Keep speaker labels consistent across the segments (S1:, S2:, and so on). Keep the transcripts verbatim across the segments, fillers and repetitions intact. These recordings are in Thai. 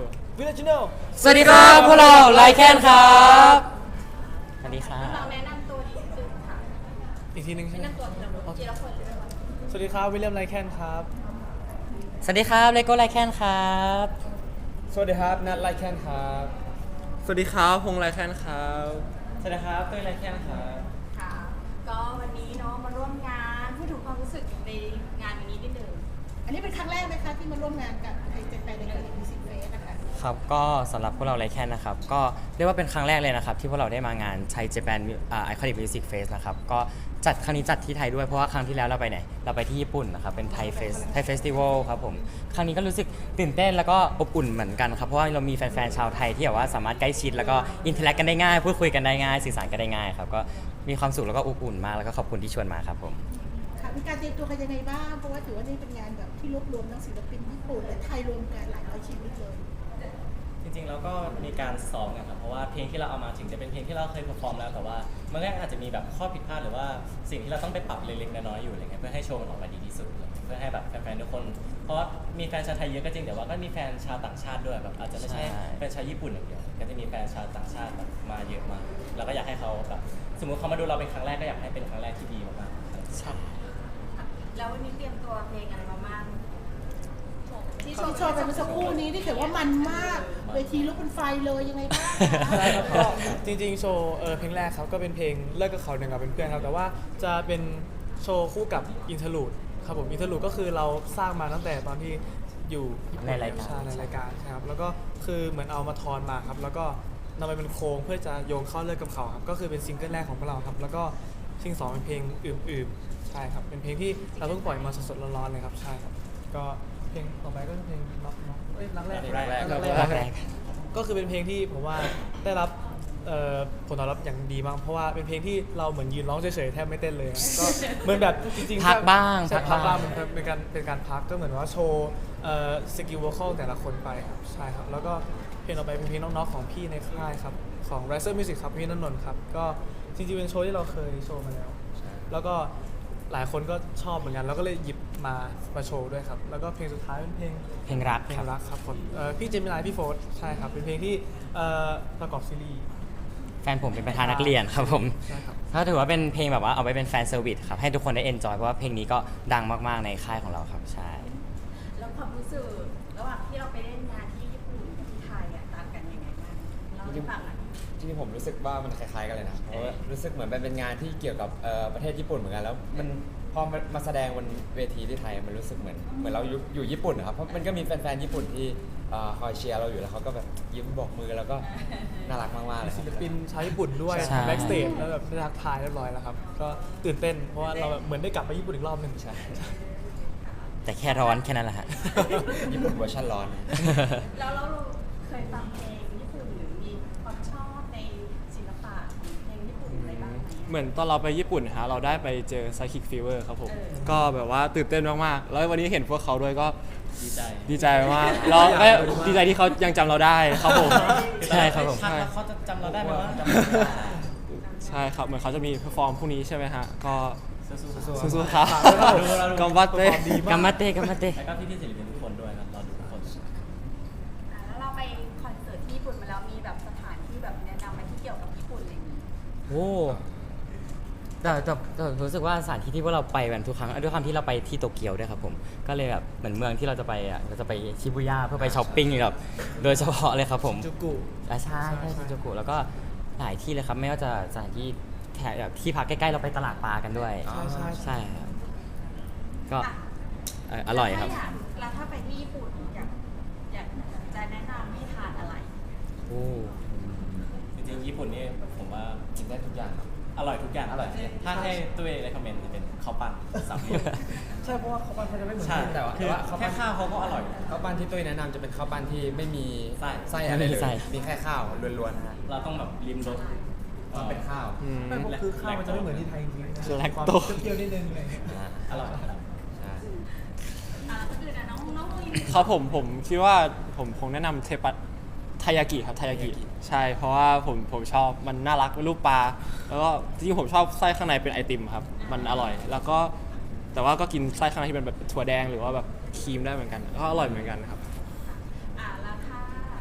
S1: วิลเลจโน่
S2: สวัสดีครับพวกเราไลแคนครับสวัสดีครับ
S3: เราแนะนำตัวนิดนึงค่ะ
S1: อีกทีหนึงใช่
S3: แนะ
S1: ไหม
S3: นำตัวทีละคนทีละคนเลยนะคะ
S1: สวัสดีครับวิลเลียมไลแคนครับ
S2: สวัสดีครับเลโก้ไลแคนครับ
S1: สวัสดีครับนัทไลแคนครับ
S4: สวัสดีครับพงษ์ไรแคนครับ
S1: สวัสดีครับเต้ยไลแคนครับ
S3: ค่ะ ก็วันนี้เนาะมาร่วมงานพูดถึงความรู้สึกในงานวันนี้นิดนึง
S5: อันนี้เป็นครั้งแรกไหมคะที่มาร่วมงานกับไทยเจแปนในการมิวสิกเฟสนะคะ
S2: ครับก็สำหรับพวกเราไลแคนนะครับก็เรียกว่าเป็นครั้งแรกเลยนะครับที่พวกเราได้มางานไทยเจแปนไอคอนิกมิวสิกเฟสนะครับก็จัดครั้งนี้จัดที่ไทยด้วยเพราะว่าครั้งที่แล้วเราไปไหนเราไปที่ญี่ปุ่นนะครับเป็นไทยเฟสไทยเฟสติวัลครับผมครั้งนี้ก็รู้สึกตื่นเต้นแล้วก็อบอุ่นเหมือนกันครับเพราะว่าเรามีแฟนๆชาวไทยที่แบบว่าสามารถใกล้ชิดแล้วก็อินเทอร์แอคกันได้ง่ายพูดคุยกันได้ง่ายสื่อสารกันได้ง่ายครับก็มีความสุขแล้วก็อบอุ่นมากแล้วก็ขอบคุณที่ชวนมาครับผม
S5: ค่ะมีการเตรียมตัวกันยังไงบ้าง เพราะว่าถือว่านี่เป็นงานแบบที่รวบรวมทั้งศิลปินญี่ปุ่นและไทยรวมกันหลายร้อยชีวิตเลย
S6: จริงๆแล้วก็มีการซ้อมกันครับเพราะว่าเพลงที่เราเอามาถึงจะเป็นเพลงที่เราเคยเพอร์ฟอร์มแล้วแต่ว่ามันก็อาจจะมีแบบข้อผิดพลาดหรือว่าสิ่งที่เราต้องไปปรับเล็กๆน้อยๆอยู่อะไรเงี้ยเพื่อให้โชว์มันออกมาดีที่สุดอะไรเงี้ยเพื่อให้แบบแฟนๆทุกคนเพราะมีแฟนชาวไทยเยอะก็จริงแต่ว่าก็มีแฟนชาวต่างชาติด้วยแบบอาจจะไม่ใช่
S2: ใช่
S6: แฟนชาวญี่ปุ่นอย่างเดียวก็จะมีแฟนชาวต่างชาติแบบมาเยอะมากเราก็อยากให้เขาแบบสมมติเขามาดูเราเป็นครั้งแรกก็อยากให้เป็นครั้งแรกที่ดีมากๆ
S2: ใช่
S3: แล้ววันนี้เตรียมตัวเพลงอะไรมาบ้างที่
S5: ที่โชว์กันเมื่อสักครู่นี้ที่ถือว่ามันมาก เวทีลุกเป็นไฟเลยยังไงบ้างคะ
S1: ใช่ครับก็จริงๆโชว์เออเพลงแรกครับก็เป็นเพลงเลิกกับเขาหนึ่งกับเป็นเพื่อนครับแต่ว่าจะเป็นโชว์คู่กับอินเทอร์ลูดครับผมอินเทอร์ลูดก็คือเราสร้างมาตั้งแต่ตอนที่อยู่ญี่ปุ่
S2: ในรายการ
S1: ใช่ในรายการใช่ครับแล้วก็คือเหมือนเอามาทอนมาครับแล้วก็นำไปเป็นโครงเพื่อจะโยงเข้าเลิกกับเขาครับก็คือเป็นซิงเกิลแรกของพวกเราครับแล้วก็ซิงสองเป็นเพลงอื่นๆใช่ครับเป็นเพลงที่เราเพิ่งปล่อยมาสดๆร้อนๆเลยครับใช่ครับก็เพลงต่อไปก็เป็นเพลงน็อกน็อกเอ้ยรักแรก
S6: รักแรก
S1: รักแรก
S2: รักแรก
S1: ก็คือเป็นเพลงที่ผมว่าได้รับเอ่อผลตอบรับอย่างดีมากเพราะว่าเป็นเพลงที่เราเหมือนยืนร้องเฉยๆแทบไม่เต้นเลยอะก็เหมือนแบบจริงๆ
S2: พักบ้าง
S1: ใช่
S2: พั
S1: พั
S2: ก
S1: ก
S2: บ้า
S1: บ้าง งมันเป็นการเป็นการพักก็เหมือนว่าโชว์เอ่อสกิลวอลคอลแต่ละคนไปครับใช่ครับแล้วก็เพลงต่อไปเป็นเพลงน้องๆของพี่ในค่ายครับของ Riser Music ครับพี่นนนท์ครับก็จริงๆเป็นโชว์ที่เราเคยโชว์มาแล้วแล้วก็หลายคนก็ชอบเหมือนกันแล้วก็เลยหยิบมามาโชว์ด้วยครับแล้วก็เพลงสุดท้ายเป็นเพลง
S2: เพลงรัก
S1: เพล
S2: ครั
S1: ง
S2: บ
S1: รักครับผมเอ่อพี่เจมินายพี่โฟร์ใช่ครับเป็นเพลงที่เอ่อประกอบซีรีส์
S2: แฟนผมเป็นประธานนักเรียนครับผม
S1: ใช่ครับ
S2: ถ้าถือว่าเป็นเพลงแบบว่าเอาไว้เป็นแฟนเซอร์วิสครับให้ทุกคนได้เอนจอยเพราะว่าเพลงนี้ก็ดังมากๆในค่ายของเราครับใช่
S3: แล้วความรู้สึกระหว่างที่เราไปเล่นงานที่ญี่ปุ่นกับที่ไทยอะต่างกันยังไงบ้างเล่าให้ฟังหน่อย
S4: จริงๆผมรู้สึกว่ามันคล้ายๆกันเลยนะ เพราะว่ารู้สึกเหมือนมันเป็นงานที่เกี่ยวกับเอ่อประเทศญี่ปุ่นเหมือนกัน แล้วมันพอมันมาแสดงบนเวทีที่ไทยมันรู้สึกเหมือนเหมือนเราอยู่อยู่ญี่ปุ่นนะครับ เพราะมันก็มีแฟนๆญี่ปุ่นที่เอ่อคอยเชียร์เราอยู่แล้วเขาก็แบบยิ้มบอกมือแล้วก็น่ารักมากๆเลย
S1: ศิลปินชาวญี่ปุ่นด้วย
S2: ใช่
S1: แบ็กสเตจแล้วแบบได้ทักทายเรียบร้อยแล้วครับก็ตื่นเต้นเพราะว่าเราแบบเหมือนได้กลับไปญี่ปุ่นอีกรอบหนึ่ง
S4: ใช่
S2: แต่แค่ร้อนแค่นั้นแหละฮะ
S4: ญี่ปุ่นเวอร์ชันร้อน
S3: แล้วเราเคยฟังเพลงญี่ปุ่นหรือมีความชอบในศิลปะเพลงญี่ปุ่นอะไรบ้างไหม
S7: เหมือนตอนเราไปญี่ปุ่นนะฮะเราได้ไปเจอ Psychic Fever ครับผม
S3: เออ
S7: ก็แบบว่าตื่นเต้นมากๆ แล้ววันนี้เห็นพวกเขาด้วยก็
S6: ดีใจ
S7: ดีใจมากแล้วก็ดีใจที่เขายังจำเราได้ครับผม
S2: ใช่ครับผม
S6: พักแล้วเขาจะจำเราได้ไหมวะ
S7: ใช่ครับเหมือนเขาจะมีเพอร์ฟอร์มพรุ่งนี้ใช่ไหมฮะ ก็
S6: สู้ๆ
S7: สู้ๆครับ
S1: ฝากด้วยครับ
S7: กัมบัตเต้
S2: กัมมาเต้กัมมาเต้
S6: แล้วก็พี่ๆศิลปินทุกคนด้วยครับรอดูทุกคน
S3: อ่ะแล้วเราไปคอนเสิร์ตที่ญี่ปุ่นมาแล้วมีแบบสถานที่แบบแนะนำอะไรที่เกี่ยวกับญี่ปุ่นอะไรอย่างนี้
S2: โอ้แต่แต่แต่รู้สึกว่าสถานที่ที่พวกเราไปกันทุกครั้งด้วยความที่เราไปที่โตเกียวด้วยครับผมก็เลยแบบเหมือนเมืองที่เราจะไปอ่ะเราจะไปชิบูย่าเพื่อไปช้อปปิ้งแบบโดยเฉพาะเลยครับผม
S1: จูกุ
S2: อ่ะใช่ใช่ชินจูกุแล้วก็หลายที่เลยครับไม่ว่าจะสถานที่แถบแบบที่พักใกล้ๆเราไปตลาดปลากันด้วย
S1: ใช่ใช่
S2: ใช่ครับก็เอ่ออร่อยครับ
S3: แล้วถ้าไปที่ญี่ปุ่นอยากอยากจะแนะนำให้ทานอะไร
S2: โอ้
S6: จริงๆญี่ปุ่นนี่ผมว่า
S4: กินได้ทุกอย่างครับ
S6: อร่อยทุกอย่างอร่อยถ้าให้ตัวเองเลยคอมเมนต์จะเป็นข้าวปั้นสามเหลี่ยม
S1: ใช่เพราะว่าเขาปั้นเขาจะไม่เหมือน
S6: ใช่
S1: กัน
S4: แต่ว่า
S6: คือ
S4: แต่ว่าข้าวปั้
S6: แค่
S4: น
S6: ข้าวเขาก็อร่อย
S4: ข้าวปั้นที่ตุ้ยแนะนำจะเป็นข้าวปั้นที่ไม่มี
S6: ไส้
S4: ไส้อะไรเลย
S2: ไม่มีไส้
S4: มีแค่ข้าวล้วนๆนะฮะ
S6: เราต้องแบบริมรส
S4: มันเป็นข้าว
S7: อืม
S1: ไม่เพราะคือข้าวมันจะไม่เหมือนที่ไทยจริงๆนะ
S7: แลค
S1: ความ
S7: โต
S1: เปรี้ยวๆนิดนึงอะไรอย่างเงี้ย
S4: อ่า
S6: อร่อย
S4: ใช่
S3: อ่าก็คือนะน้องน้องลิน
S7: ครับผมผมคิดว่าผมคงแนะนำเทปัตไทยากิครับไทยากิใช่เพราะว่าผมผมชอบมันน่ารักเป็นรูปปลาแล้วก็จริงๆผมชอบไส้ข้างในเป็นไอติมครับมันอร่อย แล้วก็แต่ว่าก็กินไส้ข้างในที่เป็นแบบถั่วแดงหรือว่าแบบครีมได้เหมือนกันก็อร่อยเหมือนกันครับ
S3: อ่าแล้วถ้า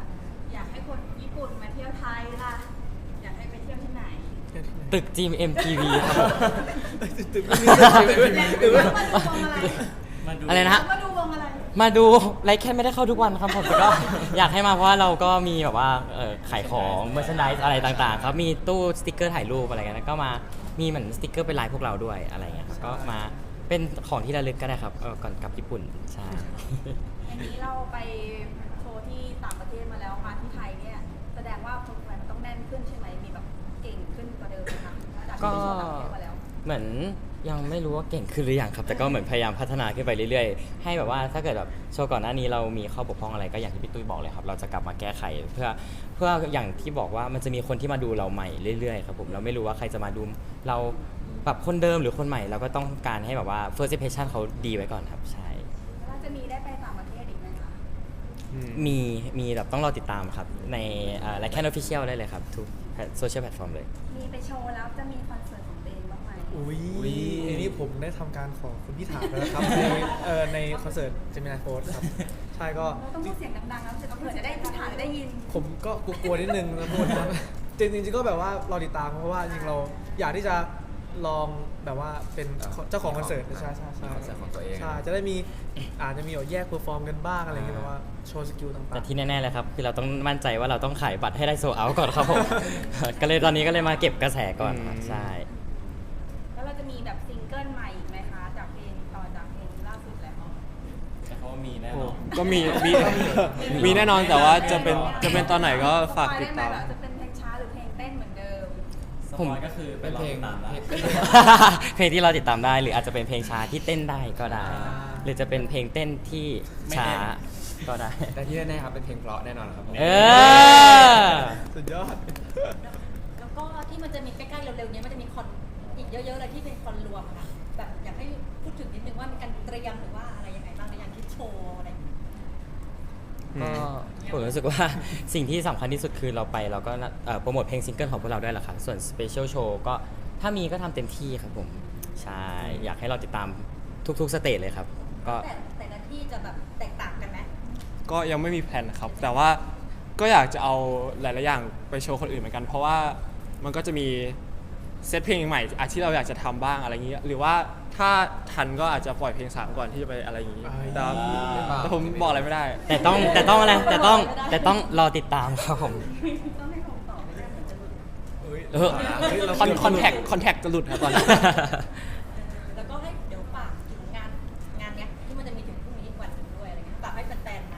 S2: ตึก จี เอ็ม ที วี ครับผม
S1: ตึกไม่มี
S3: หรือว่ามาดูวงอะไร
S6: มาดู
S2: อะไรนะฮะ
S3: มาดูวงอะไร
S2: มาดูไลฟ์แค่ไม่ได้เข้าทุกวันครับผมแต่ก็ อยากให้มาเพราะว่าเราก็มีแบบว่าเอ่อขายของเมอร์ช n นด s อะไรต่างๆครับมีตู้สติกเกอร์ถ่ายรูปอะไรกันแล้วก็มามีเหมือนสติกเกอร์เป็นลายพวกเราด้วยอะไรเงี้ยครับก็มาเป็นของที่ระลึกก็ได้ครับเออก่อนกลับญี่ปุ่นใช่
S3: อันนี้เราไปโชว์ที่ต่างประเทศมาแล้วมาที่ไทยเนี่ยแสดงว่าคนไทยมันต้องแน่นขึ้นใช่ไหมมีแบบเก่งขึ้นกว่าเดิมไหมคะจากที่
S2: ก็
S3: ไปโชว์ต่างประเทศมาแล้ว
S2: เหมือนยังไม่รู้ว่าเก่งขึ้นหรือยังครับ แต่ก็เหมือนพยายามพัฒนาขึ้นไปเรื่อยๆ ให้แบบว่าถ้าเกิดแบบโชว์ก่อนหน้านี้เรามีข้อบกพร่องอะไรก็อย่างที่พี่ตุ้ยบอกเลยครับ เราจะกลับมาแก้ไขเพื่อเพื่ออย่างที่บอกว่ามันจะมีคนที่มาดูเราใหม่เรื่อยๆครับผมเราไม่รู้ว่าใครจะมาดูเราแบบคนเดิมหรือคนใหม่เราก็ต้องการให้แบบว่า first impression เขาดีไว้ก่อนครับใช่
S3: แล้วจะมีได้ไปต่างประเทศอีกไหมคะ
S2: มีมีแบบต้องรอติดตามครับในไลค์แคนออฟฟิเชียลได้เลยครับทุกโซเชียลแพลตฟอร์มเลย
S3: มีไปโชว์แล้วจะมีคอนเสิร์ตของตัวเองบ้างไหม
S1: อุ้ยอันนี้ผมได้ทำการขอคุณพี่ถามแล้วนะครับในเอ่อในคอนเสิร์ตเจมินาโฟสครับใช่ก็
S3: เราต้องพูดเสียงดังๆแล้วเผื่อจะได้ผู้ถ่ายจะได้ยิน
S1: ผมก็กลัวๆนิดนึงนะพูดครับจริงๆจริงๆก็แบบว่ารอติดตามเพราะว่าจริงๆเราอยากที่จะลองแบบว่าเป็นเจ้าของคอนเสิร์ตใช่ใช่ใช่
S4: คอนเสิร์ตของตัวเอง
S1: ใช่จะได้มีอาจจะมีแบบแยกเพอร์ฟอร์มกันบ้างอะไรอย่างเงี้ยแบบว่าโชว์สกิลต่างๆ
S2: แต่ที่แน่ๆเลยครับคือเราต้องมั่นใจว่าเราต้องขายบัตรให้ได้โซเอาก่อนครับผม ก็เลยตอนนี้ก็เลยมาเก็บกระแสก่อนครับ
S7: อืม
S2: ใช่
S3: แล้วเราจะมีแบบซิงเกิลใหม่อีกไหมคะจากเพลงต่อจากเพลงล่าสุดแล้ว
S6: แต่เขาว่ามีแน่
S7: โอ้
S6: นอน
S7: ก็มีมีมีแน่นอนแต่ว่าจะเป็นจะเป็นตอนไหนก็ฝากติดตาม
S3: สปอยได้ไหแบบจะเป็นเพลงช้าหรือเพลงเต้นเหมือนเดิม
S6: สปอยก็คือไป
S4: เป็น
S6: รอ
S4: เพลง
S6: ติดตามได้
S4: เป็น
S2: เพลงที่เราติดตามได้หรืออาจจะเป็นเพลงช้าที่เต้นได้ก็ได้
S1: อ่า
S2: หรือจะเป็นเพลงเต้นที่ช้าก็ได้
S4: แต่ที่แน่ๆครับเป็นเพลงเพราะแน่นอนครับผม
S2: เออ
S1: สุดยอด
S8: แล้วก็ที่มันจะมีใกล้ๆเร็วๆเนี้ยมันจะมีคอนอีกเยอะๆเลยที่เป็นคอนรวมอะค่ะแบบอยากให้พูดถึงนิดนึงว่ามีการเตรียมหรือว่าอะไรยังไงบ้างในการคิดโชว์อะไรอย่างเงี้ย
S2: ก็ผมรู้สึกว่า สิ่งที่สำคัญที่สุดคือเราไปเราก็เอ่อโปรโมทเพลงซิงเกิลของพวกเราด้วยแหละครับส่วนสเปเชียลโชว์ก็ถ้ามีก็ทำเต็มที่ครับผมใช่อยากให้เราติดตามทุกๆสเตจเลยครับก็
S8: แต่แต่ละที่จะแบบแตกต่างกันไหม
S7: ก็ยังไม่มีแผนครับ แต่ว่าก็อยากจะเอาหลายๆอย่างไปโชว์คนอื่นเหมือนกัน เพราะว่ามันก็จะมีเซตเพลงใหม่อ่ะที่เราอยากจะทำบ้างอะไรอย่างนี้ หรือว่าถ้าทันก็อาจจะปล่อยเพลงสามก่อนที่จะไปอะไรอย่างนี้
S1: อ่า
S7: แต่แต่ผมบอกอะไรไม่ได้
S2: แต่ต้องแต่ต้องอะไรแต่ต้องแต่ต้องรอติดตามครับผม
S3: ต้องให้ผมตอบไม่ได้เหมือนจะหลุด
S1: เฮ้ย
S2: เออ
S1: เฮ้ยเรา
S7: คอนคอนแทคคอนแทคจะหลุดครับตอนนี้
S8: แล้วก็ให้เดี๋ยวฝากถึงงานงานเนี้ยที่มันจะมีถึงพรุ่งนี้อีกวันหนึ่งด้วยอะไรเงี้ยฝากให้แฟนๆมา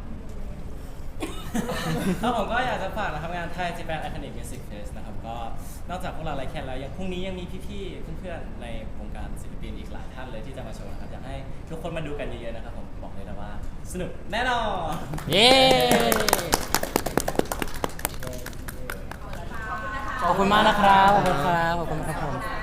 S6: ครับผมก็อยากจะฝากนะครับงานไทย Japan Iconic Music Fest นะครับก็นอกจากพวกเราไลค์แคนแล้วยังพรุ่งนี้ยังมีพี่ๆเพื่อนๆในวงการศิลปินอีกหลายท่านเลยที่จะมาโชว์นะครับอยากให้ทุกคนมาดูกันเยอะๆนะครับผมบอกเลยนะว่าสนุกแน่นอน
S2: เย้ ขอบคุณมากนะครับ ขอบคุณครับ ขอบคุณครับผม